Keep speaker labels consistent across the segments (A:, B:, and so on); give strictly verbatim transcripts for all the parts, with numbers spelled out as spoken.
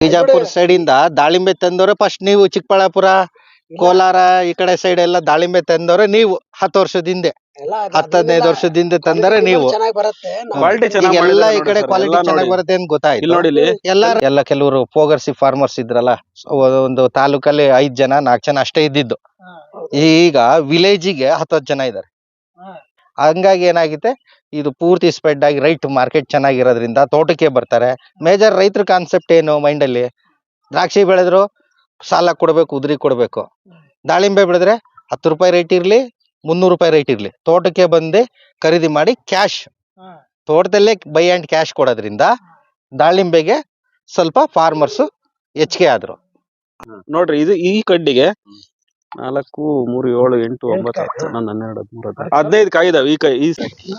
A: Bijapur side ಇಂದ ದಾಳಿಂಬೆ ತಂದವ್ರೆ first ನೀವು. ಚಿಕ್ಕಬಳ್ಳಾಪುರ, ಕೋಲಾರ ಈ ಕಡೆ ಸೈಡ್ ಎಲ್ಲ ದಾಳಿಂಬೆ ತಂದವ್ರೆ ನೀವು. ಹತ್ತು ವರ್ಷದಿಂದ ಹತ್ತು ಹದಿನೈದು ವರ್ಷದಿಂದ ತಂದರೆ ನೀವು. ಎಲ್ಲ ಈ ಕಡೆ ಕ್ವಾಲಿಟಿ ಚೆನ್ನಾಗಿ ಬರುತ್ತೆ ಅಂತ ಗೊತ್ತಾಯ್ತು. ಎಲ್ಲ ಎಲ್ಲ ಕೆಲವರು ಫೋಗರ್ಸಿ ಫಾರ್ಮರ್ಸ್ ಇದ್ರಲ್ಲ, ಒಂದು ತಾಲೂಕಲ್ಲಿ ಐದ್ ಜನ ನಾಲ್ಕು ಜನ ಅಷ್ಟೇ ಇದ್ದಿದ್ದು. ಈಗ ವಿಲೇಜಿಗೆ ಹತ್ತತ್ತು ಜನ ಇದಾರೆ. ಹಂಗಾಗಿ ಏನಾಗಿದೆ, ಇದು ಪೂರ್ತಿ ಸ್ಪ್ರೆಡ್ ಆಗಿ ರೈಟ್ ಮಾರ್ಕೆಟ್ ಚೆನ್ನಾಗಿರೋದ್ರಿಂದ ತೋಟಕ್ಕೆ ಬರ್ತಾರೆ. ಮೇಜರ್ ರೈತರ ಕಾನ್ಸೆಪ್ಟ್ ಏನು ಮೈಂಡ್ ಅಲ್ಲಿ, ದ್ರಾಕ್ಷಿ ಬೆಳೆದ್ರು ಸಾಲ ಕೊಡ್ಬೇಕು, ಉದ್ರಿ ಕೊಡ್ಬೇಕು. ದಾಳಿಂಬೆ ಬೆಳೆದ್ರೆ ಹತ್ತು ರೂಪಾಯಿ ರೇಟ್ ಇರ್ಲಿ, ಮುನ್ನೂರು ರೂಪಾಯಿ ರೇಟ್ ಇರ್ಲಿ, ತೋಟಕ್ಕೆ ಬಂದು ಖರೀದಿ ಮಾಡಿ ಕ್ಯಾಶ್, ತೋಟದಲ್ಲೇ ಬೈ ಅಂಡ್ ಕ್ಯಾಶ್ ಕೊಡೋದ್ರಿಂದ ದಾಳಿಂಬೆಗೆ ಸ್ವಲ್ಪ ಫಾರ್ಮರ್ಸ್ ಹೆಚ್ಚಿಗೆ ಆದ್ರು.
B: ನೋಡ್ರಿ, ಇದು ಈ ಕಡ್ಡಿಗೆ ನಾಲ್ಕು ಮೂರು ಏಳು ಎಂಟು ಒಂಬತ್ತು ಹತ್ತು ಹನ್ನೊಂದು ಹನ್ನೆರಡು ಹದಿಮೂರು ಹದಿನೈದು ಕಾಯಿ ಇದಾವೆ. ಈ ಕೈ ಈ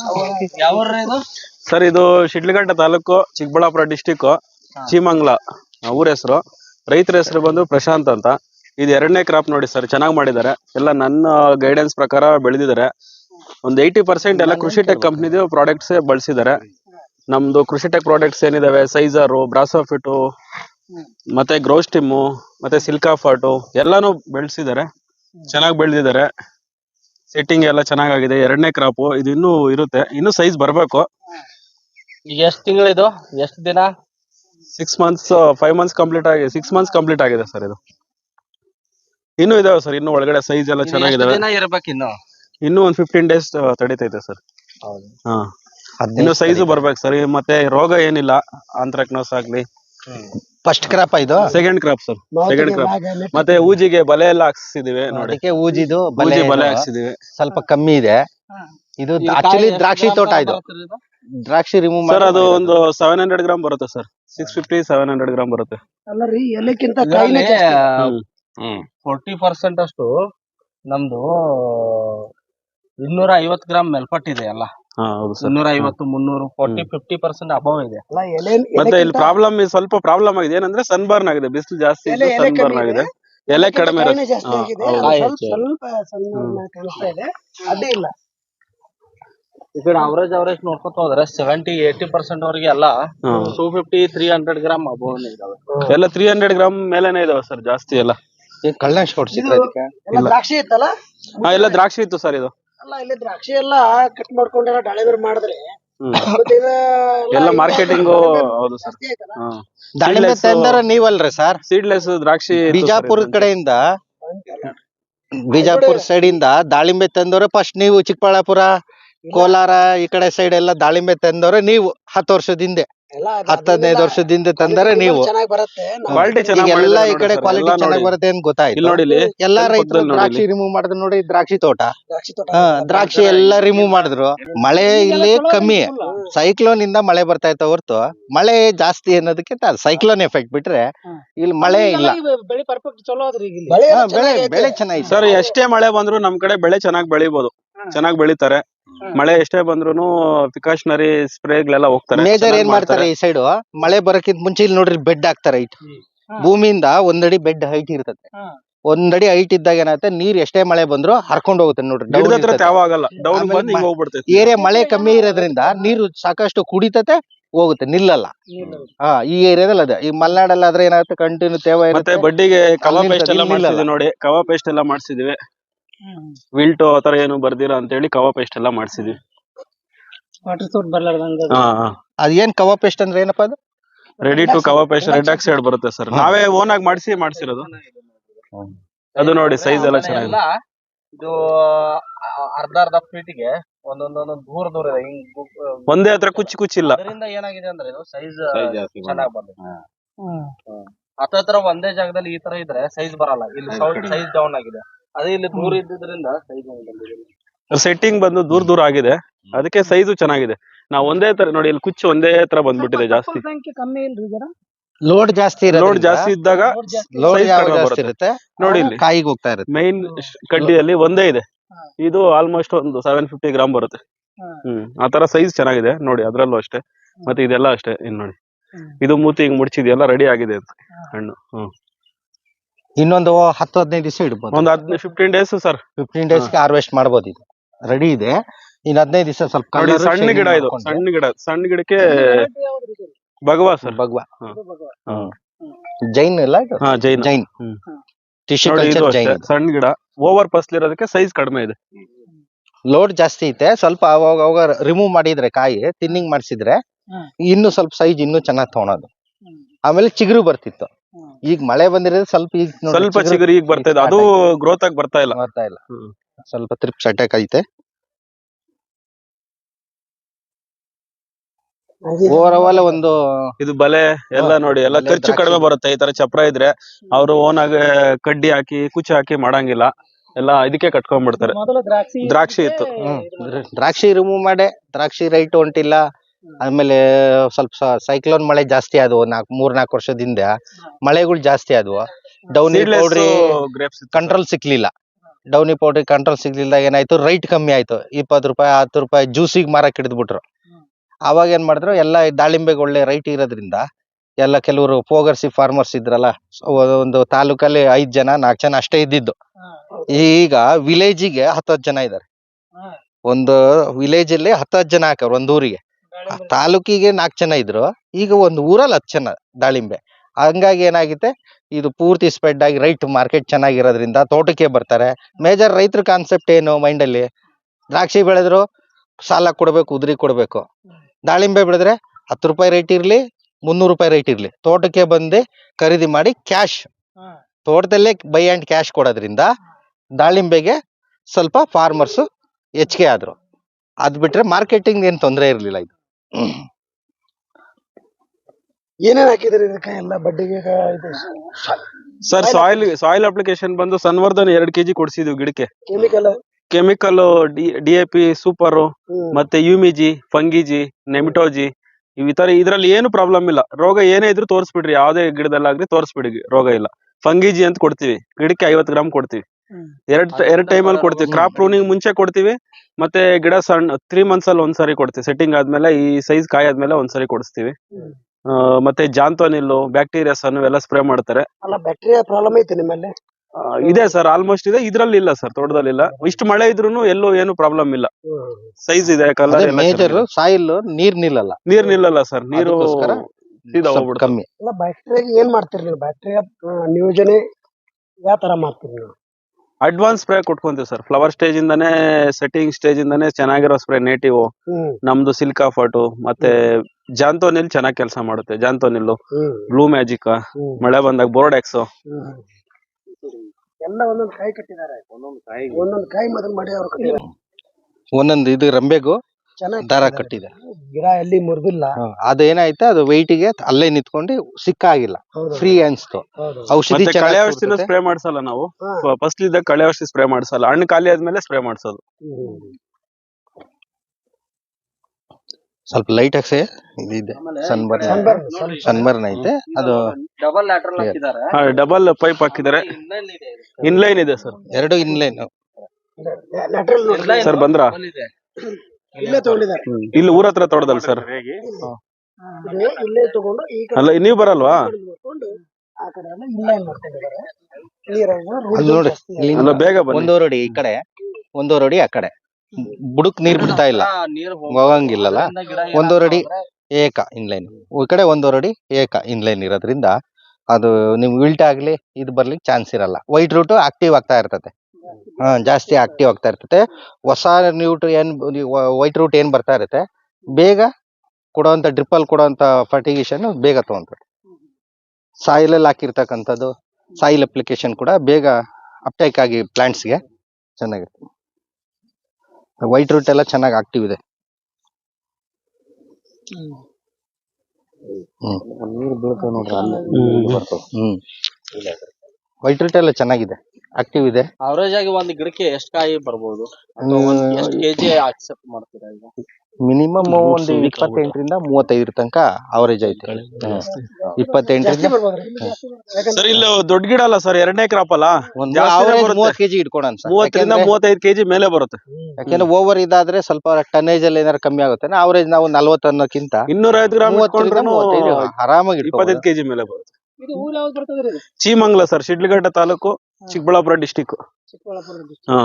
B: ಸರ್, ಇದು ಶಿಡ್ಲಘಟ್ಟ ತಾಲೂಕು, ಚಿಕ್ಕಬಳ್ಳಾಪುರ ಡಿಸ್ಟಿಕ್, ಚೀಮಂಗ್ಲ ಊರ ಹೆಸರು. ರೈತರ ಹೆಸರು ಬಂದು ಪ್ರಶಾಂತ್ ಅಂತ. ಇದು ಎರಡನೇ ಕ್ರಾಪ್ ನೋಡಿ ಸರ್, ಚೆನ್ನಾಗಿ ಮಾಡಿದ್ದಾರೆ. ಎಲ್ಲ ನನ್ನ ಗೈಡೆನ್ಸ್ ಪ್ರಕಾರ ಬೆಳೆದಿದ್ದಾರೆ. ಒಂದು ಏಯ್ಟಿ ಪರ್ಸೆಂಟ್ ಎಲ್ಲ ಕೃಷಿ ಟೆಕ್ ಕಂಪ್ನಿದು ಪ್ರಾಡಕ್ಟ್ಸ್ ಬಳಸಿದ್ದಾರೆ. ನಮ್ದು ಕೃಷಿ ಟೆಕ್ ಪ್ರಾಡಕ್ಟ್ಸ್ ಏನಿದಾವೆ, ಸೈಜರು, ಬ್ರಾಸೋಫಿಟು, ಮತ್ತೆ ಗ್ರೋಸ್ಟಿಮ್ಮು, ಮತ್ತೆ ಸಿಲ್ಕಾ ಫಾಟು ಎಲ್ಲಾನು ಬೆಳೆಸಿದ್ದಾರೆ. ಚೆನ್ನಾಗಿ ಬೆಳೆದಿದ್ದಾರೆ. ಸೆಟ್ಟಿಂಗ್ ಎಲ್ಲ ಚೆನ್ನಾಗಿದೆ. ಎರಡನೇ ಕ್ರಾಪ್ ಇದು, ಇನ್ನೂ ಇರುತ್ತೆ, ಇನ್ನು ಸೈಜ್ ಬರ್ಬೇಕು.
C: ಈಗ ಎಷ್ಟು ತಿಂಗಳಿದು, ಎಷ್ಟು ದಿನ?
B: Six months five months complete ಆಗಿದೆ. ಸಿಕ್ಸ್ ಮಂತ್ಸ್ ಕಂಪ್ಲೀಟ್ ಆಗಿದೆ ಸರ್. ಇದು ಇನ್ನೂ ಇದಾವೆ ಸರ್, ಇನ್ನು ಒಳಗಡೆ ಸೈಜ್ ಎಲ್ಲ ಚೆನ್ನಾಗಿದಾವೆ.
C: ಇನ್ನು
B: ಇನ್ನೂ ಒಂದ್ ಫಿಫ್ಟೀನ್ ಡೇಸ್ ತಡೀತೈತೆ ಸರ್. ಹಾ, ಇನ್ನು ಸೈಜು ಬರ್ಬೇಕು ಸರ್. ಮತ್ತೆ ರೋಗ ಏನಿಲ್ಲ, ಆಂಥ್ರಾಕ್ನೋಸ್ ಆಗ್ಲಿ.
A: ಫಸ್ಟ್ ಕ್ರಾಪ್ ಇದು,
B: second crop sir, second crop. ಮತ್ತೆ ಊಜಿಗೆ ಬಲೆ ಎಲ್ಲ ಹಾಕ್ಸಿದೀವಿ ನೋಡಿ.
A: ಊಜಿದು
B: ಊಜಿ ಬಲೆ ಹಾಕ್ಸಿದೀವಿ,
A: ಸ್ವಲ್ಪ ಕಮ್ಮಿ ಇದೆ. ಇದು ಆಕ್ಚುಲಿ ದ್ರಾಕ್ಷಿ ತೋಟ. ಇದು ದ್ರಾಕ್ಷಿ ರಿಮೂವ್
B: ಸರ್, ಅದು ಒಂದು ಸೆವೆನ್ ಹಂಡ್ರೆಡ್ ಗ್ರಾಮ್ ಬರುತ್ತೆ sir. Six fifty seven hundred gram ಬರುತ್ತೆ.
C: ಫೋರ್ಟಿ ಪರ್ಸೆಂಟ್ ಅಷ್ಟು ನಮ್ದು ಇನ್ನೂರ ಐವತ್ತು ಗ್ರಾಮ್ ಮೇಲ್ಪಟ್ಟಿದೆ ಎಲ್ಲ. ಇನ್ನೂರ ಐವತ್ತು ಮುನ್ನೂರು ಫೋರ್ಟಿ ಫಿಫ್ಟಿ ಪರ್ಸೆಂಟ್ ಅಬವ್ ಇದೆ.
B: ಮತ್ತೆ ಇಲ್ಲಿ ಪ್ರಾಬ್ಲಮ್ ಸ್ವಲ್ಪ ಪ್ರಾಬ್ಲಮ್ ಆಗಿದೆ. ಏನಂದ್ರೆ ಸನ್ಬರ್ನ್ ಆಗಿದೆ, ಬಿಸಿಲು ಜಾಸ್ತಿ ಇದೆ, ಸನ್ಬರ್ನ್ ಆಗಿದೆ, ಎಲೆ ಕಡಿಮೆ
C: ಈ ಕಡೆ ಅವರೇಜ್ ಅವರೇಜ್ ನೋಡ್ಕೊತ ಹೋದ್ರೆ ಸೆವೆಂಟಿ ಏಟಿ ಪರ್ಸೆಂಟ್ ವರೆಗೆ ಎಲ್ಲ two fifty three hundred gram above ಇದಾವೆ.
B: ಎಲ್ಲ ತ್ರೀ ಹಂಡ್ರೆಡ್ ಗ್ರಾಮ್ ಮೇಲೆನೆ ಇದಾವೆ ಸರ್, ಜಾಸ್ತಿ ಎಲ್ಲ.
A: ಕಳ್ಳಾಶ್ ಹೊಡ್ಸಿದ್ರೆ
D: ದ್ರಾಕ್ಷಿ ಇತ್ತಲ್ಲ?
B: ಹಾ, ಎಲ್ಲ ದ್ರಾಕ್ಷಿ ಇತ್ತು ಸರ್. ಇದು
D: ಅಲ್ಲ, ಇಲ್ಲಿ ದ್ರಾಕ್ಷಿ ಎಲ್ಲ ಕಟ್ ಮಾಡ್ಕೊಂಡೆಲ್ಲ ದಾಳಿಂಬೆ ಮಾಡಿದ್ರೆ
B: ಎಲ್ಲ ಮಾರ್ಕೆಟಿಂಗ್. ಹೌದು ಸರ್.
A: ದಾಳಿಂಬೆ ತಂದರ ನೀವಲ್ರಿ ಸರ್?
B: ಸೀಡ್ಲೆಸ್ ದ್ರಾಕ್ಷಿ
A: ಬಿಜಾಪುರ ಕಡೆಯಿಂದ, ಬಿಜಾಪುರ ಸೈಡ್ ಇಂದ ದಾಳಿಂಬೆ ತಂದವ್ರೆ ಫಸ್ಟ್ ನೀವು. ಚಿಕ್ಕಬಳ್ಳಾಪುರ, ಕೋಲಾರ ಈ ಕಡೆ ಸೈಡ್ ಎಲ್ಲ ದಾಳಿಂಬೆ ತಂದವ್ರೆ ನೀವು. ಹತ್ತು ವರ್ಷದಿಂದ ಹತ್ತು ಹದಿನೈದು ವರ್ಷದಿಂದ ತಂದರೆ ನೀವು. ಎಲ್ಲ ಈ ಕಡೆ ಕ್ವಾಲಿಟಿ ಚೆನ್ನಾಗಿ ಬರುತ್ತೆ ಅಂತ ಗೊತ್ತಾಯ್ತು. ಎಲ್ಲಾ ರೈತರು ದ್ರಾಕ್ಷಿ ರಿಮೂವ್ ಮಾಡಿದ್ರು ನೋಡಿ. ದ್ರಾಕ್ಷಿ ತೋಟ, ದ್ರಾಕ್ಷಿ ಎಲ್ಲ ರಿಮೂವ್ ಮಾಡಿದ್ರು. ಮಳೆ ಇಲ್ಲಿ ಕಮ್ಮಿ, ಸೈಕ್ಲೋನ್ ಇಂದ ಮಳೆ ಬರ್ತಾ ಇತ್ತು ಹೊರತು ಮಳೆ ಜಾಸ್ತಿ ಅನ್ನೋದಕ್ಕೆ ಸೈಕ್ಲೋನ್ ಎಫೆಕ್ಟ್ ಬಿಟ್ರೆ ಇಲ್ಲಿ ಮಳೆ ಇಲ್ಲ. ಬೆಳೆ ಬೆಳೆ ಚೆನ್ನಾಗಿ
B: ಸರ್. ಎಷ್ಟೇ ಮಳೆ ಬಂದ್ರು ನಮ್ ಕಡೆ ಬೆಳೆ ಚೆನ್ನಾಗಿ ಬೆಳಿಬಹುದು, ಚೆನ್ನಾಗಿ ಬೆಳಿತಾರೆ. ಮಳೆ ಎಷ್ಟೇ ಬಂದ್ರು ಪ್ರಿಕಾಷನರಿ ಸ್ಪ್ರೇಗಳೆಲ್ಲ ಹೋಗ್ತಾರೆ.
A: ಮೇಜರ್ ಏನ್ ಮಾಡ್ತಾರೆ ಈ ಸೈಡ್, ಮಳೆ ಬರಕ್ಕಿಂತ ಮುಂಚೆ ಇಲ್ಲಿ ನೋಡ್ರಿ ಬೆಡ್ ಹಾಕ್ತಾರೆ. ಹೈಟ್ ಭೂಮಿಯಿಂದ ಒಂದಡಿ ಬೆಡ್ ಹೈಟ್ ಇರ್ತದೆ. ಒಂದಡಿ ಹೈಟ್ ಇದ್ದಾಗ ಏನಾಗುತ್ತೆ, ನೀರ್ ಎಷ್ಟೇ ಮಳೆ ಬಂದ್ರು ಹರ್ಕೊಂಡು ಹೋಗುತ್ತೆ ನೋಡ್ರಿ. ಏರಿಯಾ ಮಳೆ ಕಮ್ಮಿ ಇರೋದ್ರಿಂದ ನೀರು ಸಾಕಷ್ಟು ಕುಡಿತತೆ, ಹೋಗುತ್ತೆ, ನಿಲ್ಲಲ್ಲ. ಹಾ, ಈ ಏರಿಯಾದಲ್ಲಿ ಅದೇ. ಈ ಮಲೆನಾಡಲ್ಲಿ ಆದ್ರೆ ಏನಾಗುತ್ತೆ, ಕಂಟಿನ್ಯೂ ತೇವ ಇರುತ್ತೆ.
B: ಬಡ್ಡಿಗೆ ಕವಾ ಪೇಸ್ಟ್ ಎಲ್ಲ ಮಾಡ್ಸಿದ್ವಿ ನೋಡಿ. ಕವಾ ಪೇಸ್ಟ್ ಎಲ್ಲ ಮಾಡ್ಸಿದ್ವಿ. ವಿಲ್ಟೋ ಆತರ ಏನು ಬರ್ದಿರ ಅಂತ ಹೇಳಿ ಕವಾ ಪೇಸ್ಟ್ ಎಲ್ಲ ಮಾಡ್ಸಿದ್ವಿ.
A: ಅದೇನ್ ಕವಾ ಪೇಸ್ಟ್ ಅಂದ್ರೆ ಏನಪ್ಪಾ ಅದು?
B: ರೆಡಿ ಟು ಕವಾ ಪೇಸ್ಟ್ ರೆಡ್ ಆಕ್ಸೈಡ್ ಬರುತ್ತೆ ಸರ್. ನಾವೇ ಓನ್ ಆಗಿ ಮಾಡಿಸಿ ಮಾಡ್ಸಿರೋದು. ಅದು ನೋಡಿ, ಸೈಜ್ ಎಲ್ಲ ಚೆನ್ನಾಗಿದೆ.
C: ಇದು ಅರ್ಧ ಅರ್ಧ ಫೀಟ್ಗೆ ಒಂದೊಂದೊಂದು ದೂರ ದೂರ ಇದೆ. ಹಿಂಗ್
B: ಒಂದೇ ಹತ್ರ ಕುಚ್ಚಿ ಕುಚ್ಚಿಲ್ಲ.
C: ಅದರಿಂದ ಏನಾಗಿದೆ ಅಂದ್ರೆ ಇದು ಸೈಜ್ ಚೆನ್ನಾಗಿ ಬಂದಿದೆ. ಹತ್ತತ್ರ ಒಂದೇ ಜಾಗದಲ್ಲಿ ಈ ತರ ಇದ್ರೆ ಸೈಜ್ ಬರಲ್ಲ. ಇಲ್ಲಿ ಸೈಜ್ ಡೌನ್ ಆಗಿದೆ. ಅದೇ ಇಲ್ಲಿ ದೂರ ಇದ್ದಿದ್ರಿಂದ ಸೈಜ್
B: ಸೆಟ್ಟಿಂಗ್ ಬಂದು ದೂರ ದೂರ ಆಗಿದೆ, ಅದಕ್ಕೆ ಸೈಜು ಚೆನ್ನಾಗಿದೆ. ನಾವು ಒಂದೇ ತರ ನೋಡಿ, ಇಲ್ಲಿ ಕುಚ್ಚು ಒಂದೇ ತರ ಬಂದ್ಬಿಟ್ಟಿದೆ. ಜಾಸ್ತಿ
A: ಲೋಡ್ ಜಾಸ್ತಿ
B: ಲೋಡ್ ಜಾಸ್ತಿ ಇದ್ದಾಗ
A: ಇರುತ್ತೆ ನೋಡಿ. ಇಲ್ಲಿ ಕಾಯಿಗೆ ಹೋಗ್ತಾ ಇರುತ್ತೆ.
B: ಮೈನ್ ಕಡ್ಡಿಯಲ್ಲಿ ಒಂದೇ ಇದೆ. ಇದು ಆಲ್ಮೋಸ್ಟ್ ಒಂದು ಸೆವೆನ್ ಫಿಫ್ಟಿ ಗ್ರಾಮ್ ಬರುತ್ತೆ. ಹ್ಮ್ ಆತರ ಸೈಜ್ ಚೆನ್ನಾಗಿದೆ ನೋಡಿ. ಅದ್ರಲ್ಲೂ ಅಷ್ಟೇ, ಮತ್ತೆ ಇದೆಲ್ಲ ಅಷ್ಟೇ. ಇನ್ ನೋಡಿ, ಇದು ಮೂತಿ ಹಿಂಗ್ ಮುಡ್ಚಿದೆಲ್ಲ ರೆಡಿ ಆಗಿದೆ ಅಂತ ಹಣ್ಣು. ಹ್ಮ್
A: ಇನ್ನೊಂದು ಹತ್ತು ಹದಿನೈದು ದಿವಸ ಇಡ್ಬೋದು.
B: ಒಂದು ಹದಿನೈದು ಫಿಫ್ಟೀನ್ ಡೇಸ್ ಸರ್.
A: ಫಿಫ್ಟೀನ್ ಡೇಸ್ಗೆ ಹಾರ್ವೆಸ್ಟ್ ಮಾಡ್ಬೋದು. ಇದು ರೆಡಿ ಇದೆ. ಇನ್ ಹದಿನೈದು ದಿವಸ ಸ್ವಲ್ಪ
B: ಸಣ್ಣ ಗಿಡ. ಇದು ಸಣ್ಣ ಗಿಡ. ಸಣ್ಣ ಗಿಡಕ್ಕೆ ಭಗವಾ ಸರ್.
A: ಭಗವಾ ಜೈನ್ ಇಲ್ಲ ಇದು?
B: ಹಾ ಜೈನ್
A: ಜೈನ್
B: ಹ್ಮ್. ನೋಡಿ ಇದು
A: ಟಿಶ್ಯೂಕಲ್ಚರ್
B: ಅಷ್ಟೇ
A: ಜೈನ್.
B: ಸಣ್ಣ ಗಿಡ ಓವರ್ ಫಸಲ್ ಇರೋದಕ್ಕೆ ಸೈಜ್ ಕಡಿಮೆ ಇದೆ.
A: ಲೋಡ್ ಜಾಸ್ತಿ ಐತೆ, ಸ್ವಲ್ಪ ಅವಾಗ ಅವಾಗ ರಿಮೂವ್ ಮಾಡಿದ್ರೆ ಕಾಯಿ ತಿನ್ನಿಂಗ್ ಮಾಡಿಸಿದ್ರೆ
D: ಹ್ಮ್.
A: ಇನ್ನು ಸ್ವಲ್ಪ ಸೈಜ್ ಇನ್ನು ಚೆನ್ನಾಗಿ ತಗೊಳೋದು. ಆಮೇಲೆ ಚಿಗುರು ಬರ್ತಿತ್ತು. ಈಗ ಮಳೆ ಬಂದಿರೋದು ಸ್ವಲ್ಪ ಈಗ ನೋಡಿ
B: ಸ್ವಲ್ಪ
A: ಚಿಗುರು
B: ಚಿಗುರು ಈಗ ಬರ್ತಾ ಇದೆ, ಅದು ಗ್ರೋತ್ ಆಗಿ ಬರ್ತಾ ಇಲ್ಲ.
A: ಬರ್ತಾ ಇಲ್ಲ.
B: ಹ್ಮ್.
A: ಸ್ವಲ್ಪ ತ್ರಿಪ್ಸ್ ಅಟ್ಯಾಕ್ ಐತೆ. ಓವರ್ ಆಲ್ ಒಂದು
B: ಇದು ಬಲೆ ಎಲ್ಲ ನೋಡಿ ಎಲ್ಲ
A: ಬಲೆ,
B: ಖರ್ಚು
A: ದ್ರಾಕ್ಷಿ.
B: ಕಡಿಮೆ ಬರುತ್ತೆ. ಈ ತರ ಚಪ್ರ ಇದ್ರೆ ಅವರು ಓನ್ ಆಗಿ ಕಡ್ಡಿ ಹಾಕಿ ಕುಚ್ಚಿ ಹಾಕಿ ಮಾಡಂಗಿಲ್ಲ, ಎಲ್ಲ ಇದಕ್ಕೆ ಕಟ್ಕೊಂಡ್ಬಿಡ್ತಾರೆ.
D: ಮೊದಲು ದ್ರಾಕ್ಷಿ
B: ದ್ರಾಕ್ಷಿ ಇತ್ತು.
A: ಹ್ಮ್. ದ್ರಾಕ್ಷಿ ರಿಮೂವ್ ಮಾಡಿ ದ್ರಾಕ್ಷಿ ರೈಟ್ ಹೊಂಟಿಲ್ಲ. ಆಮೇಲೆ ಸ್ವಲ್ಪ ಸೈಕ್ಲೋನ್ ಮಳೆ ಜಾಸ್ತಿ ಆದವು, ನಾಲ್ಕು ಮೂರ್ ನಾಲ್ಕು ವರ್ಷದಿಂದ ಮಳೆಗಳು ಜಾಸ್ತಿ ಆದವು. ಡೌನಿ ಪೌಡ್ರಿ
B: ಗ್ರೇಪ್ಸ್
A: ಕಂಟ್ರೋಲ್ ಸಿಕ್ಲಿಲ್ಲ. ಡೌನಿ ಪೌಡ್ರಿ ಕಂಟ್ರೋಲ್ ಸಿಗ್ಲಿಲ್ದಾಗ ಏನಾಯ್ತು, ರೈಟ್ ಕಮ್ಮಿ ಆಯ್ತು. ಇಪ್ಪತ್ತು ರೂಪಾಯಿ ಹತ್ತು ರೂಪಾಯಿ ಜ್ಯೂಸಿಗೆ ಮಾರಕ್ ಹಿಡಿದ್ಬಿಟ್ರು. ಅವಾಗ ಏನ್ ಮಾಡಿದ್ರು, ಎಲ್ಲ ದಾಳಿಂಬೆಗೆ ಒಳ್ಳೆ ರೈಟ್ ಇರೋದ್ರಿಂದ ಎಲ್ಲ ಕೆಲವರು ಫೋಗರ್ಸಿ ಫಾರ್ಮರ್ಸ್ ಇದ್ರಲ್ಲ, ಒಂದು ತಾಲೂಕಲ್ಲಿ ಐದ್ ಜನ ನಾಲ್ಕು ಜನ ಅಷ್ಟೇ ಇದ್ದಿದ್ದು. ಈಗ ವಿಲೇಜಿಗೆ ಹತ್ತತ್ತು ಜನ ಇದಾರೆ. ಒಂದು ವಿಲೇಜ್ ಅಲ್ಲಿ ಹತ್ತತ್ತು ಜನ ಹಾಕವ್ರು ಒಂದ್ ಊರಿಗೆ. ತಾಲೂಕಿಗೆ ನಾಲ್ಕು ಜನ ಇದ್ರು, ಈಗ ಒಂದು ಊರಲ್ಲಿ ಹತ್ತು ಜನ ದಾಳಿಂಬೆ. ಹಂಗಾಗಿ ಏನಾಗಿದೆ, ಇದು ಪೂರ್ತಿ ಸ್ಪ್ರೆಡ್ ಆಗಿ ರೈಟ್ ಮಾರ್ಕೆಟ್ ಚೆನ್ನಾಗಿರೋದ್ರಿಂದ ತೋಟಕ್ಕೆ ಬರ್ತಾರೆ. ಮೇಜರ್ ರೈತರ ಕಾನ್ಸೆಪ್ಟ್ ಏನು ಮೈಂಡ್ ಅಲ್ಲಿ, ದ್ರಾಕ್ಷಿ ಬೆಳೆದ್ರು ಸಾಲ ಕೊಡ್ಬೇಕು, ಉದ್ರಿ ಕೊಡ್ಬೇಕು. ದಾಳಿಂಬೆ ಬೆಳೆದ್ರೆ ಹತ್ತು ರೂಪಾಯಿ ರೇಟ್ ಇರ್ಲಿ, ಮುನ್ನೂರು ರೂಪಾಯಿ ರೇಟ್ ಇರ್ಲಿ, ತೋಟಕ್ಕೆ ಬಂದು ಖರೀದಿ ಮಾಡಿ ಕ್ಯಾಶ್ ತೋಟದಲ್ಲೇ ಬೈ ಅಂಡ್ ಕ್ಯಾಶ್ ಕೊಡೋದ್ರಿಂದ ದಾಳಿಂಬೆಗೆ ಸ್ವಲ್ಪ ಫಾರ್ಮರ್ಸ್ ಹೆಚ್ಚಿಗೆ ಆದ್ರು. ಅದ್ ಬಿಟ್ರೆ ಮಾರ್ಕೆಟಿಂಗ್ ಏನ್ ತೊಂದರೆ ಇರ್ಲಿಲ್ಲ. ಇದು
D: ಏನೇನ್ ಹಾಕಿದ್ರಿ ಇದಕ್ಕೆ ಎಲ್ಲ ಬಡ್ಡಿಗೆ ಇದು
B: ಸರ್ ಸಾಯಿಲ್ ಸಾಯಿಲ್ ಅಪ್ಲಿಕೇಶನ್ ಬಂದು ಸಂವರ್ಧನ ಎರಡ್ ಕೆಜಿ ಕೊಡ್ಸಿದ್ವಿ ಗಿಡಕ್ಕೆ.
D: Chemical
B: chemical D A P super ಮತ್ತೆ ಯುಮಿಜಿ, ಫಂಗಿಜಿ, ನೆಮಿಟೋಜಿ, ಈ ತರ ಇದ್ರಲ್ಲಿ ಏನು ಪ್ರಾಬ್ಲಮ್ ಇಲ್ಲ. ರೋಗ ಏನೇ ಇದ್ರು ತೋರಿಸ್ಬಿಡ್ರಿ, ಯಾವ್ದೇ ಗಿಡದಲ್ಲಾಗ್ಲಿ ತೋರಿಸ್ಬಿಡಿ, ರೋಗ ಇಲ್ಲ. ಫಂಗಿಜಿ ಅಂತ ಕೊಡ್ತೀವಿ, ಗಿಡಕ್ಕೆ ಐವತ್ತು ಗ್ರಾಮ್ ಕೊಡ್ತೀವಿ. ಎರಡ್ ಎರಡ್ ಟೈಮ್ ಅಲ್ಲಿ ಕೊಡ್ತೀವಿ. ಕ್ರಾಪ್ ಪ್ರೂನಿಂಗ್ ಮುಂಚೆ ಕೊಡ್ತೀವಿ, ಮತ್ತೆ ಗಿಡ ಸಣ್ಣ ತ್ರೀ ಮಂತ್ಸ್ ಅಲ್ಲಿ ಒಂದ್ಸರಿ ಕೊಡ್ತೀವಿ. ಸೆಟ್ಟಿಂಗ್ ಆದ್ಮೇಲೆ ಈ ಸೈಜ್ ಕಾಯಿ ಆದ್ಮೇಲೆ ಒಂದ್ಸರಿ ಕೊಡಿಸ್ತೀವಿ. ಆ, ಮತ್ತೆ ಜಾಂತೋನಿಲ್ಲು, ಬ್ಯಾಕ್ಟೀರಿಯಾಸ್ ಅನ್ನು ಎಲ್ಲ ಸ್ಪ್ರೇ ಮಾಡ್ತಾರೆ.
D: ಅಲ್ಲ ಬ್ಯಾಕ್ಟೀರಿಯಾ ಪ್ರಾಬ್ಲಮ್ ಐತೆ ನಿಮ್ಮಲ್ಲಿ?
B: ಆ, ಇದೆ ಸರ್, ಆಲ್ಮೋಸ್ಟ್ ಇದೆ. ಇದ್ರಲ್ಲಿ ಇಲ್ಲ ಸರ್, ತೋಟದಲ್ಲಿ ಇಲ್ಲ. ಇಷ್ಟು ಮಳೆ ಇದ್ರೂನು ಎಲ್ಲೂ ಏನು ಪ್ರಾಬ್ಲಮ್ ಇಲ್ಲ. ಸೈಜ್ ಇದೆ, ಕಲರ್ ಎಲ್ಲ
A: ಮೇಜರ್
B: ಚೆನ್ನಾಗಿದೆ.
A: ಸಾಯಿಲ್ ನೀರ್ ನಿಲ್ಲಲ್ಲ,
B: ನೀರ್ ನಿಲ್ಲಲ್ಲ ಸರ್, ನೀರು
A: ಅದಕ್ಕೋಸ್ಕರ
B: ಸೀದಾ
A: ಸ್ವಲ್ಪ
B: ಹೋಗ್ಬಿಡುತ್ತೆ.
A: ಕಮ್ಮಿ.
D: ಅಲ್ಲ ಬ್ಯಾಕ್ಟೀರಿಯಾ ಏನ್ ಮಾಡ್ತೀರಿ ನೀವು? ಬ್ಯಾಕ್ಟೀರಿಯಾ ನಿಯೋಜನೆ ಯಾವ ತರ ಮಾಡ್ತೀರಿ ನೀವು?
B: ಅಡ್ವಾನ್ಸ್ ಸ್ಪ್ರೇ ಕೊಟ್ಕೊಂತೀವಿ ಸರ್. ಫ್ಲವರ್ ಸ್ಟೇಜ್ ಇಂದಾನೆ ಸೆಟ್ಟಿಂಗ್ ಸ್ಟೇಜ್ ಇಂದಾನೆ ಚೆನ್ನಾಗಿರೋ ಸ್ಪ್ರೇ ನೇಟಿವ್
D: ಹ್ಮ್
B: ನಮ್ದು ಸಿಲ್ಕಾ ಫಾಟು, ಮತ್ತೆ ಜಾಂತೋನಿಲ್ ಚೆನ್ನಾಗಿ ಕೆಲಸ ಮಾಡುತ್ತೆ. ಜಾಂತೋನಿಲ್ಲು,
D: ಹ್ಮ್
B: ಬ್ಲೂ ಮ್ಯಾಜಿಕ್,
D: ಹ್ಮ್
B: ಮಳೆ ಬಂದಾಗ ಬೋರ್ಡೆಕ್ಸ್.
D: ಹ್ಮ್. ಎಲ್ಲ ಒಂದೊಂದು ಕಾಯಿ ಕಟ್ಟಿದ್ದಾರೆ, ಒಂದೊಂದು ಕಾಯಿ ಒಂದೊಂದು ಕಾಯಿ ಮೊದಲು ಮಾಡಿ ಅವ್ರು ಕಟ್ಟಿದ್ದಾರೆ.
A: ಒಂದೊಂದು ಇದು ರಂಬೆಗೂ
D: ಚೆನ್ನಾಗಿ
A: ದಾರ
D: ಕಟ್ಟಿದ್ದಾರೆ.
A: ಕಟ್ಟಿದೆ.
D: ಗಿಡ ಎಲ್ಲಿ ಮುರಿದಿಲ್ಲ.
A: ಅದೇನಾಯ್ತು, ಅದು weight ಗೆ ಅಲ್ಲೇ ನಿಂತ್ಕೊಂಡು ಸಿಕ್ಕಾಗಿಲ್ಲ,
D: ಹೌದು
A: ಫ್ರೀ ಅನ್ಸ್ತು.
D: ಹೌದು.
A: ಔಷಧಿ
B: ಮತ್ತೆ ಕಳೆ
A: ಚೆನ್ನಾಗಿ
B: ಔಷಧಿನೂ ಸ್ಪ್ರೇ ಮಾಡ್ಸಲ್ಲ ನಾವು.
D: ಹಾ.
B: ಫಸ್ಟ್ ಇದ್ದಾಗ ಕಳೆ ಔಷಧಿ ಸ್ಪ್ರೇ ಮಾಡ್ಸಲ್ಲ, ಹಣ್ಣು ಖಾಲಿ ಆದ್ಮೇಲೆ ಸ್ಪ್ರೇ ಮಾಡ್ಸೋದು.
D: ಹ್ಮ್.
A: ಸ್ವಲ್ಪ ಲೈಟ್ ಆಗಿ ಇದಿದೆ, ಸನ್ಬರ್ನ್
D: Sunburn, ಸ್ವಲ್ಪ.
A: ಸನ್ಬರ್ನ್ ಐತೆ. ಅದು
C: ಡಬಲ್ ಲ್ಯಾಟ್ರಲ್ ಹಾಕಿದ್ದಾರೆ.
B: ಡಬಲ್ ಪೈಪ್ ಹಾಕಿದ್ದಾರೆ,
C: ಇನ್ಲೈನ್ ಇದೆ ಇದು.
B: ಇನ್ಲೈನ್ ಇದೆ ಸರ್.
A: ಎರಡು ಇನ್ಲೈನ್.
D: lateral ನೋಡಿ.
C: ಇನ್ಲೈನ್
B: ಸರ್ ಬಂದ್ರಾ?
C: double ಇದೆ.
D: ಇಲ್ಲೇ ತಗೊಂಡಿದ್ದಾರೆ.
B: ಇಲ್ಲಿ ಊರ ಹತ್ರ ತೋಟದಲ್ಲ ಸರ್.
D: ಇದು ಇಲ್ಲೇ ತಗೊಂಡು ಈ ಕಡೆ
B: ಅಲ್ಲ ನೀವ್ ಬರಲ್ವಾ?
D: ನೋಡ್ಕೊಂಡು ಆ ಕಡೆ ಎಲ್ಲ ಇನ್ಲೈನ್ ಮಾಡ್ಕೊಂಡಿದ್ದಾರೆ. ನೀರನ್ನು
A: ಅಲ್ಲಿ
D: root
A: ನೋಡಿ,
D: ಜಾಸ್ತಿ
A: ಇಲ್ಲಿ
B: ಅಲ್ಲ ಬೇಗ ಬನ್ನಿ.
A: ಒಂದೂವರೆ ಅಡಿ ಈ ಕಡೆ, ಒಂದೂವರೆ ಅಡಿ ಆ ಕಡೆ. ಬುಡಕ್ ನೀರ್ ಬಿಡ್ತಾ ಇಲ್ಲ,
C: ಹಾ, ನೀರು ಹೋಗ್-
A: ಹೋಗಂಗಿಲ್ಲಲ್ಲ.
C: ಅದರಿಂದ ಗಿಡ
A: ಒಂದೂವರೆ ಅಡಿ
C: ಏನಾಗ್ತದೆ ಅಂದ್ರೆ
A: ಏಕ ಇನ್ಲೈನ್, ಈ ಕಡೆ ಒಂದೂವರೆ ಅಡಿ ಏಕ ಇನ್ಲೈನ್ ಇರೋದ್ರಿಂದ ಅದು ನಿಮ್ ವಿಲ್ಟ್ ಆಗ್ಲಿ ಇದು ಬರ್ಲಿಕ್ಕೆ ಚಾನ್ಸ್ ಇರಲ್ಲ. ವೈಟ್ ರೂಟ್ ಆಕ್ಟಿವ್ ಆಗ್ತಾ ಇರ್ತದೆ, ಹಾ ಜಾಸ್ತಿ ಆಕ್ಟಿವ್ ಆಗ್ತಾ ಇರ್ತದೆ. ಹೊಸ ನ್ಯೂಟ್ ಏನ್ ವೈಟ್ ರೂಟ್ ಏನ್ ಬರ್ತಾ ಇರುತ್ತೆ, ಬೇಗ ಕೊಡೋಂತ ಡ್ರಿಪ್ಪಲ್ ಕೊಡೋಂತ ಫರ್ಟಿಗೇಷನ್ ಬೇಗ ತಗೊಂತಾರೆ. ಸಾಯಿಲ್ ಅಲ್ಲಿ ಹಾಕಿರ್ತಕ್ಕಂಥದ್ದು ಸಾಯಿಲ್ ಅಪ್ಲಿಕೇಶನ್ ಕೂಡ ಬೇಗ ಅಪ್ಟೇಕ್ ಆಗಿ ಪ್ಲಾಂಟ್ಸ್ಗೆ ಚೆನ್ನಾಗಿರ್ತದೆ. ವೈಟ್ ರೂಟ್ ಎಲ್ಲ ಚೆನ್ನಾಗಿ ಆಕ್ಟಿವ್ ಇದೆ. ನೀರು ಬೀಳ್ತಾವ ನೋಡ್ರಿ, ಹ್ಮ್ ವೈಟ್ ರೂಟ್ ಎಲ್ಲ ಚೆನ್ನಾಗಿದೆ, ಆಕ್ಟಿವ್ ಇದೆ.
C: ಅವರೇಜ್ ಆಗಿ ಒಂದ್ ಗಿಡಕ್ಕೆ ಎಷ್ಟ್ ಕಾಯಿ ಬರ್ಬೋದು? ಅಥವಾ ಒಂದ್ ಎಷ್ಟ್ ಕೆಜಿ ಆಕ್ಸೆಪ್ಟ್ ಮಾಡ್ತೀರಾ ಈಗ?
A: ಮಿನಿಮಮ್ ಒಂದು ಇಪ್ಪತ್ತೆಂಟರಿಂದ ಮೂವತ್ತೈದರ ತನಕ ಅವರೇಜ್ ಐತೆ. ಇಪ್ಪತ್ತೆಂಟರಿಂದ
D: ಜಾಸ್ತಿ ಬರ್ಬೋದ್ರಿ? ಯಾಕಂದ್ರೆ
B: ಸರ್ ಇಲ್ಲ ದೊಡ್ಡ ಗಿಡ ಅಲ್ಲ ಸರ್, ಎರಡನೇ ಕ್ರಾಪ್ ಅಲ್ಲ.
A: ಒಂದು
B: ಜಾಸ್ತಿನೇ
A: ಅವರೇಜ್
B: ಬರುತ್ತೆ.
A: ಮೂವತ್ತು ಕೆಜಿ ಇಟ್ಕೊಳನ್ ಸರ್.
B: ಮೂವತ್ತರಿಂದ ಮೂವತ್ತೈದು ಕೆಜಿ ಮೇಲೆ ಬರುತ್ತೆ.
A: ಯಾಕೆಂದ್ರೆ ಓವರ್ ಇದಾದ್ರೆ ಸ್ವಲ್ಪ ಟನ್ನೇಜ್ ಅಲ್ಲಿ ಏನಾದ್ರು ಕಮ್ಮಿ ಆಗುತ್ತೆ. ಅವರೇಜ್ ನಾವು ನಲ್ವತ್ತು ಅನ್ನೋಕ್ಕಿಂತ
B: ಇನ್ನೂರ ಐವತ್ತು ಗ್ರಾಮ್
A: ಮೂವತ್ತರಿಂದ
B: ಇಟ್ಕೊಂಡ್ರು
A: ಮೂವತ್ತೈದು ಆರಾಮಾಗಿ
B: ಇಪ್ಪತ್ತೈದು
A: ಇಟ್ಕೊಬೋದು.
B: ಕೆಜಿ ಮೇಲೆ ಬರುತ್ತೆ.
D: ಇದು ಊರ್ ಯಾವ್ದು ಬರ್ತದ್ರಿ? ಇದು
B: Cheemangala sir, Sidlaghatta taluk, Chikkaballapur district.
D: Chikkaballapur district.
B: ಹಾ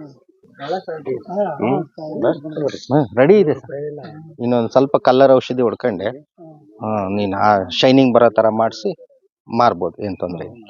D: ಹಾ,
A: ರೆಡಿ ಇದೆ ಸರ್. ಇನ್ನೊಂದ್ ಸ್ವಲ್ಪ ಕಲರ್ ಔಷಧಿ ಹೊಡ್ಕೊಂಡೆ, ಹಾ ನೀನ್ ಶೈನಿಂಗ್ ಬರೋ ತರ ಮಾಡಿಸಿ ಮಾರ್ಬೋದು, ಏನ್ ತೊಂದ್ರೆ ಇಲ್ಲ.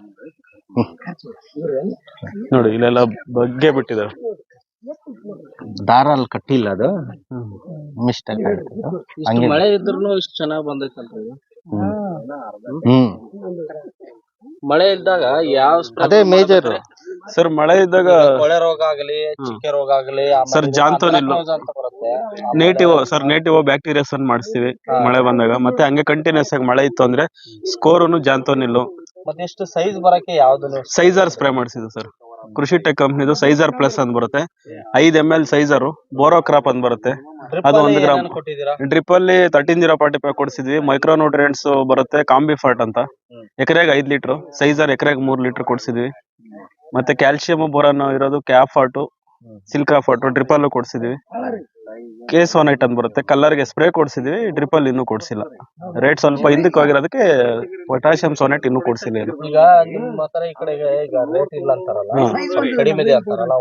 B: ನೋಡಿ ಇಲ್ಲೆಲ್ಲ ಬಗ್ಗೆ ಬಿಟ್ಟಿದ್ದಾರೆ.
A: ದಾರ ಅಲ್ಲಿ ಕಟ್ಟಿಲ್ಲ, ಅದು ಮಿಸ್ಟೇಕ್
C: ಇಷ್ಟು ಮಳೆ ಇದ್ರೂ ಇಷ್ಟು ಚೆನ್ನಾಗಿ ಬಂದೈತಲ್ರಿ ಇದು.
A: ಹ್ಮ್
C: ಮಳೆ ಇದ್ದಾಗ ಯಾವ spray
A: ಅದೇ ಮೇಜರ್.
B: ಸರ್ ಮಳೆ ಇದ್ದಾಗ
C: ಕೊಳೆ ರೋಗ ಆಗಲಿ, ಚಿಕ್ಕೆ ರೋಗ ಆಗಲಿ,
B: ಸರ್ ಜಾಂತೋನಿಲ್
C: ಅಂತ ಬರುತ್ತೆ.
B: ನೇಟಿವ್ ಸರ್ ನೇಟಿವ್ ಬ್ಯಾಕ್ಟೀರಿಯಾಸ್ ಅನ್ನು ಮಾಡಿಸ್ತೀವಿ ಮಳೆ ಬಂದಾಗ. ಮತ್ತೆ ಹಂಗೆ ಕಂಟಿನ್ಯೂಸ್ ಆಗಿ ಮಳೆ ಇತ್ತು ಅಂದ್ರೆ ಸ್ಕೋರುನು ಜಾಂತೋನಿಲ್ಲು
C: ಮತ್ತೆ ಇಷ್ಟು ಸೈಜ್ ಬರಕ್ಕೆ ಯಾವ್ದು
B: ಸೈಜರ್ ಸ್ಪ್ರೇ ಮಾಡಿಸಿದ್ದು ಸರ್. ಕೃಷಿ ಟೆಕ್ ಕಂಪ್ನಿದು ಸೈಜರ್ ಪ್ಲಸ್ ಅಂತ ಬರುತ್ತೆ, ಐದ್ M L Sizer. Boro crop ಅಂತ ಬರುತ್ತೆ, ಅದು ಒಂದು ಗ್ರಾಮ್.
C: ಕೊಟ್ಟಿದ್ದೀರಾ?
B: ಡ್ರಿಪ್ ಅಲ್ಲಿ ತರ್ಟೀನ್ ಜೀರೋ ಫಾರ್ಟಿ ಫೈವ್ ಕೊಡ್ಸಿದ್ವಿ. ಮೈಕ್ರೋ ನ್ಯೂಟ್ರಿಯೆಂಟ್ಸ್ ಬರುತ್ತೆ, ಕಾಂಬಿ ಫಾರ್ಟ್ ಅಂತ, ಎಕರೆಗೆ ಐದ್ ಲೀಟರ್. ಸೈಜರ್ ಎಕರೆಗೆ ಮೂರ್ ಲೀಟರ್ ಕೊಡ್ಸಿದ್ವಿ. ಮತ್ತೆ ಕ್ಯಾಲ್ಸಿಯಂ ಬೋರನ್ ಇರೋದು ಕ್ಯಾಪ್ ಫಾರ್ಟು, ಸಿಲ್ಕಾ ಫಾರ್ಟು ಡ್ರಿಪ್ ಅಲ್ಲೂ ಕೊಡ್ಸಿದ್ವಿ. ಕೇಸ್ ಒನ್ ಐಟ್ ಅಂತ ಬರುತ್ತೆ, ಕಲರ್ಗೆ ಸ್ಪ್ರೇ ಕೊಡ್ಸಿದ್ವಿ. ಡ್ರಿಪ್ ಅಲ್ಲಿ ಇನ್ನೂ ಕೊಡ್ಸಿಲ್ಲ. ರೇಟ್ ಸ್ವಲ್ಪ ಹಿಂದಕ್ಕೆ ಹೋಗಿರೋದಕ್ಕೆ ಪೊಟ್ಯಾಷಿಯಂ ಸೋನೆಟ್ ಇನ್ನೂ ಕೊಡ್ಸಿಲ್ಲ. ಏನು
C: ಈಗ ನಿಮ್ಮ ಹತ್ರ ಈ ಕಡೆಗೆ ಈಗ ರೇಟ್ ಇಲ್ಲ ಅಂತಾರಲ್ಲ, ಸ್ವಲ್ಪ ಕಡಿಮೆ ಇದೆ ಅಂತಾರಲ್ಲ,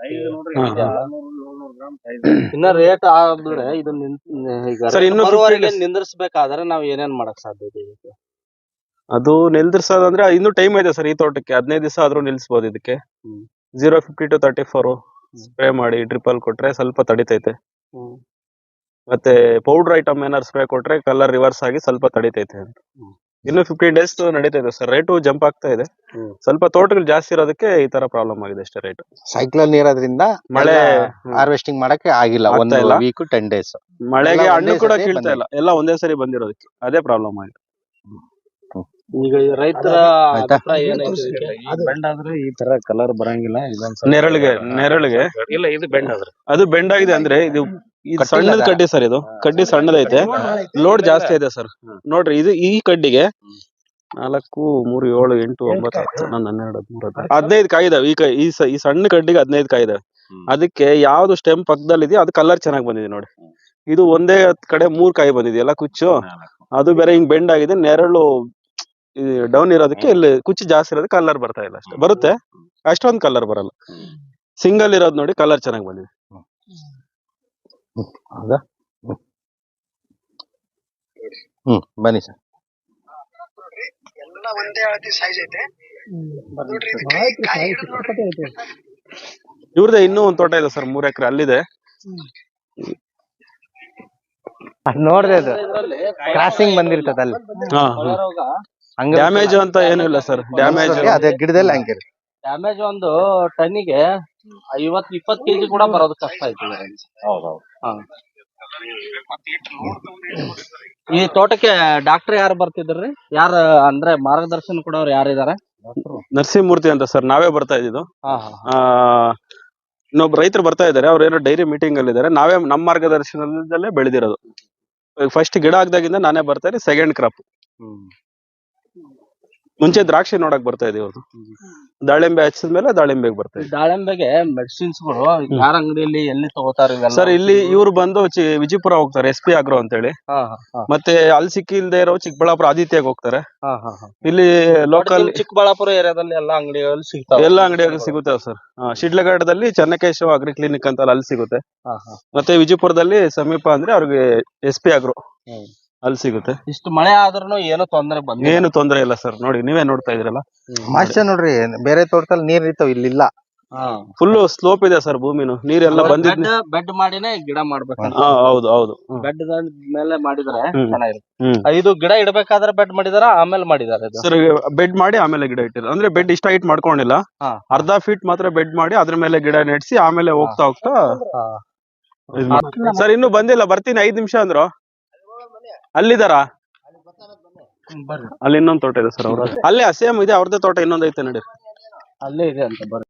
C: ಇನ್ನ ರೇಟ್ ಆದ್ರೆ ಇದು ಈಗ
B: ಸರ್, ಇನ್ನು
C: ಬರುವವರೆಗೆ ನಿಂದ್ರಿಸಬೇಕಾದ್ರೆ ನಾವ್ ಏನೇನ್ ಮಾಡಕ್ ಸಾಧ್ಯ ಇದೆ?
B: ಅದು ನಿಲ್ದಿರ್ಸೋದಂದ್ರೆ ಇನ್ನು ಟೈಮ್ ಇದೆ ಸರ್. ಈ ತೋಟಕ್ಕೆ ಹದಿನೈದು ದಿವಸ ಆದ್ರೂ ನಿಲ್ಸ್ಬೋದು. ಇದಕ್ಕೆ zero fifty two thirty four spray ಮಾಡಿ ಡ್ರಿಪ್ ಅಲ್ಲಿ ಕೊಟ್ರೆ ಸ್ವಲ್ಪ ತಡಿತೈತೆ. ಮತ್ತೆ ಪೌಡರ್ ಐಟಮ್ ಏನಾದ್ರು ಸ್ಪ್ರೇ ಕೊಟ್ರೆ ಕಲರ್ ರಿವರ್ಸ್ ಆಗಿ ಸ್ವಲ್ಪ ತಡಿತೈತೆ ಅಂತ. ಇನ್ನು ಫಿಫ್ಟೀನ್ ಡೇಸ್ ನಡೀತೈತೆ ಸರ್. ರೇಟು ಜಂಪ್ ಆಗ್ತಾ ಇದೆ. ಸ್ವಲ್ಪ ತೋಟಗಳು ಜಾಸ್ತಿ ಇರೋದಕ್ಕೆ ಈ ತರ ಪ್ರಾಬ್ಲಮ್ ಆಗಿದೆ ಅಷ್ಟೇ. ರೇಟ್
A: ಸೈಕ್ಲೋನ್ ಇರೋದ್ರಿಂದ
B: ಮಳೆ
A: ಹಾರ್ವೆಸ್ಟಿಂಗ್ ಮಾಡಕ್ಕೆ ಆಗಿಲ್ಲ. ಒಂದು
B: ಆಗ್ತಾ ಇಲ್ಲ.
A: ವೀಕ್ ಟೆನ್ ಡೇಸ್
B: ಮಳೆಗೆ
A: ಎಲ್ಲ
B: ಹಣ್ಣು
A: ಒಂದೇ
B: ಕೂಡ
A: ಸರಿ
B: ಕೀಳ್ತಾ ಇಲ್ಲ, ಎಲ್ಲ ಒಂದೇ ಸರಿ ಬಂದಿರೋದಕ್ಕೆ ಅದೇ ಪ್ರಾಬ್ಲಮ್ ಆಗಿದೆ.
C: ಈಗ ರೈತರ
A: ಆಯ್ತಾ?
C: ಅಭಿಪ್ರಾಯ ಏನೈತೆ ಇದಕ್ಕೆ?
E: ಬೆಂಡ್ ಆದ್ರೆ ಈ ತರ ಕಲರ್ ಬರಂಗಿಲ್ಲ. ಇದೊಂದ್
B: ನೆರಳಿಗೆ ನೆರಳಿಗೆ
E: ಇಲ್ಲ, ಇದು ಬೆಂಡ್ ಆದ್ರೆ
B: ಅದು ಬೆಂಡ್ ಆಗಿದೆ ಅಂದ್ರೆ ಇದು ಇದು
A: ಕಟ್ಟಿಲ್ಲ
B: ಸಣ್ಣದ
A: ಅದ?
B: ಕಡ್ಡಿ ಸರ್. ಇದು ಕಡ್ಡಿ ಸಣ್ಣದೈತೆ, ಲೋಡ್ ಜಾಸ್ತಿ ಇದೆ ಸರ್. ನೋಡ್ರಿ, ಇದು ಈ ಕಡ್ಡಿಗೆ ನಾಲ್ಕು ಮೂರು ಏಳು ಎಂಟು ಒಂಬತ್ತು ಹತ್ತು ಹನ್ನೊಂದು ಹನ್ನೆರಡು ಹದಿಮೂರು ಹದಿನಾಲ್ಕು ಹದಿನೈದು ಕಾಯಿ ಇದಾವೆ. ಈ ಕ- ಈ ಸ- ಈ ಸಣ್ಣ ಕಡ್ಡಿಗೆ ಹದಿನೈದು ಕಾಯಿ ಇದಾವೆ. ಅದಕ್ಕೆ ಯಾವ್ದು ಸ್ಟೆಮ್ ಪಕ್ಕದಲ್ಲಿ ಇದೆಯೋ ಅದು ಕಲರ್ ಚೆನ್ನಾಗಿ ಬಂದಿದೆ ನೋಡಿ. ಇದು ಒಂದೇ ಕಡೆ ಮೂರ್ ಕಾಯಿ ಬಂದಿದೆಯಲ್ಲ ಕುಚ್ಚು, ಅದು ಬೇರೆ ಹಿಂಗ್ ಬೆಂಡ್ ಆಗಿದೆ. ನೆರಳು ಡೌನ್ ಇರೋದಕ್ಕೆ ಇಲ್ಲಿ ಕುಚ್ಚು ಜಾಸ್ತಿ ಇರೋದಕ್ಕೆ ಕಲರ್ ಬರ್ತಾ ಇಲ್ಲ ಅಷ್ಟೇ. ಬರುತ್ತೆ, ಅಷ್ಟೊಂದು ಕಲರ್ ಬರಲ್ಲ. ಸಿಂಗಲ್ ಇರೋದು ನೋಡಿ ಕಲರ್ ಚೆನ್ನಾಗಿ ಬಂದಿದೆ.
A: ಹೌದಾ? ಹ್ಮ್ ಬನ್ನಿ ಸರ್.
D: ಎಲ್ಲ ಒಂದೇ ಅಳತೆ ಸೈಜ್ ಐತೆ ನೋಡ್ರಿ. ಇದು ಕಾಯಿ ಕಾಯಿ ಹಿಡಿದು ನೋಡ್ರಿ.
B: ಇವ್ರದೇ ಇನ್ನೂ ಒಂದ್ ತೋಟ ಇದೆ ಸರ್, ಮೂರ್ ಎಕರೆ ಅಲ್ಲಿದೆ.
A: ಅದ್ ನೋಡ್ದೆ, ಅದು ಕ್ರಾಸಿಂಗ್ ಬಂದಿರ್ತದ ಅಲ್ಲಿ.
B: ಹಾ
C: ಕೊಳೆ ರೋಗ
A: ಹಂಗ
B: ಡ್ಯಾಮೇಜ್ ಅಂತ ಏನು ಇಲ್ಲ ಸರ್. ಡ್ಯಾಮೇಜ್
A: ಅದೇ ಗಿಡದಲ್ಲಿ ಹಂಗಿರುತ್ತೆ.
C: ಡ್ಯಾಮೇಜ್ ಒಂದು ಟನ್ನಿಗೆ ಐವತ್ ಇಪ್ಪತ್ ಕೆಜಿ ಕೂಡ ಬರೋದು ಕಷ್ಟ ಆಯ್ತು. ಹಾ. ಈ ತೋಟಕ್ಕೆ ಡಾಕ್ಟರ್ ಯಾರು ಬರ್ತಿದ್ರಿ? ಯಾರ ಅಂದ್ರೆ ಮಾರ್ಗದರ್ಶನ ಕೊಡೋರು ಯಾರಿದಾರೆ?
B: ನರಸಿಂಹಮೂರ್ತಿ ಅಂತ ಸರ್, ನಾವೇ ಬರ್ತಾ ಇದ್ದಿದ್ದು.
C: ಹಾ ಹಾ
B: ಆ ಇನ್ನೊಬ್ಬ ರೈತರು ಬರ್ತಾ ಇದಾರೆ, ಅವ್ರು ಏನೋ ಡೈರಿ ಮೀಟಿಂಗ್ ಅಲ್ಲಿ ಇದಾರೆ. ನಾವೇ ನಮ್ಮ ಮಾರ್ಗದರ್ಶನದಲ್ಲೇ ಬೆಳೆದಿರೋದು. ಫಸ್ಟ್ ಗಿಡ ಹಾಕ್ದಾಗಿಂದ ನಾನೇ ಬರ್ತಾ ಇದ್ದೀನಿ. Second crop. ಮುಂಚೆ ದ್ರಾಕ್ಷಿ ನೋಡಕ್ ಬರ್ತಾ ಇದೀವಿ. ಅವ್ರು ದಾಳಿಂಬೆ ಹಚ್ಚಿದ್ಮೇಲೆ ದಾಳಿಂಬೆಗೆ ಬರ್ತಾ ಇದ್ವಿ.
C: ದಾಳಿಂಬೆಗೆ ಮೆಡಿಸಿನ್ಸ್ ಗಳು ಯಾರ ಅಂಗಡಿಯಲ್ಲಿ ಎಲ್ಲಿ ತಗೋತಾರ ಇವೆಲ್ಲ?
B: ಸರ್, ಇಲ್ಲಿ ಇವ್ರು ಬಂದು ಚಿ- ವಿಜಯಪುರ ಹೋಗ್ತಾರೆ, ಎಸ್ ಪಿ ಆಗ್ರೋ ಅಂತೇಳಿ.
C: ಹಾ ಹಾ ಹಾ
B: ಮತ್ತೆ ಅಲ್ಲಿ ಸಿಕ್ಕಿಲ್ದೇ ಇರೋ ಚಿಕ್ಕಬಳ್ಳಾಪುರ ಆದಿತ್ಯಗೆ ಹೋಗ್ತಾರೆ.
C: ಹಾ ಹಾ ಹಾ.
B: ಇಲ್ಲಿ ಲೋಕಲ್
C: ನಿಮ್ ಚಿಕ್ಕಬಳ್ಳಾಪುರ ಏರಿಯಾದಲ್ಲಿ ಎಲ್ಲಾ ಅಂಗಡಿಗಳಲ್ಲಿ ಸಿಗ್ತಾವ?
B: ಎಲ್ಲಾ ಅಂಗಡಿಯಾಗ ಸಿಗುತ್ತೆ ಸರ್. ಶಿಡ್ಲಘಟ್ಟದಲ್ಲಿ ಚೆನ್ನಕೇಶವ ಅಗ್ರಿ ಕ್ಲಿನಿಕ್ ಅಂತ ಅಲ್ಲಿ ಸಿಗುತ್ತೆ.
C: ಹಾ ಹಾ.
B: ಮತ್ತೆ ವಿಜಯಪುರದಲ್ಲಿ ಸಮೀಪ ಅಂದ್ರೆ ಅವ್ರಿಗೆ ಎಸ್ ಪಿ ಆಗ್ರೋ ಅಲ್ಲಿ ಸಿಗುತ್ತೆ.
C: ಇಷ್ಟು ಮಳೆ ಆದ್ರೂ ಏನೋ ತೊಂದರೆ ಬಂದಿಲ್ಲ.
B: ಏನು ತೊಂದರೆ ಇಲ್ಲ ಸರ್. ನೋಡಿ, ನೀವೇ ನೋಡ್ತಾ ಇದ್ರಲ್ಲ,
A: ಮಾಸ್ಟರ್ ನೋಡ್ರಿ, ಬೇರೆ ತೋಟದಲ್ಲಿ ನೀರ್ ಇರ್ತಾವ, ಇಲ್ಲಿಲ್ಲ.
B: ಫುಲ್ ಸ್ಲೋಪ್ ಇದೆ ಸರ್. ಭೂಮಿನು ನೀರೆಲ್ಲ ಬಂದಿದ್.
C: ಬೆಡ್ ಬೆಡ್ ಮಾಡಿನೇ ಗಿಡ ಮಾಡ್ಬೇಕಂತ.
B: ಹಾ ಹೌದು ಹೌದು. ಹ್ಮ್.
C: ಬೆಡ್ ಮೇಲೆ ಮಾಡಿದ್ರೆ
B: ಹ್ಮ್.
C: ಚೆನ್ನಾಗಿರುತ್ತೆ.
B: ಹ್ಮ್.
C: ಇದು ಗಿಡ ಇಡಬೇಕಾದ್ರೆ ಬೆಡ್ ಮಾಡಿದಾರ ಆಮೇಲೆ ಮಾಡಿದಾರೆ ಇದು?
B: ಸರ್, ಬೆಡ್ ಮಾಡಿ ಆಮೇಲೆ ಗಿಡ ಇಟ್ಟಿಲ್ಲ. ಅಂದ್ರೆ ಬೆಡ್ ಇಷ್ಟ ಹೈಟ್ ಮಾಡ್ಕೊಂಡಿಲ್ಲ,
C: ಹಾ.
B: ಅರ್ಧ ಫೀಟ್ ಮಾತ್ರ ಬೆಡ್ ಮಾಡಿ ಅದ್ರ ಮೇಲೆ ಗಿಡ ನೆಡ್ಸಿ ಆಮೇಲೆ ಹೋಗ್ತಾ ಹೋಗ್ತಾ
C: ಹಾ.
B: ಇದ್ ಮಾಡಿ. ಸರ್, ಇನ್ನು ಬಂದಿಲ್ಲ, ಬರ್ತೀನಿ ಐದ್ ನಿಮಿಷ ಅಂದ್ರು. ಅಲ್ಲಿದಾರ?
C: ಬರ್ರಿ,
B: ಅಲ್ಲಿ ಇನ್ನೊಂದ್ ತೋಟ ಇದೆ ಸರ್. ಅವ್ರ ಅಲ್ಲೇ ಸೇಮ್ ಇದೆ, ಅವ್ರದ್ದೇ ತೋಟ ಇನ್ನೊಂದ್ ಐತೆ ನೋಡಿ.
C: ಅಲ್ಲೇ ಇದೆ ಅಂತ ಬರ್ರಿ.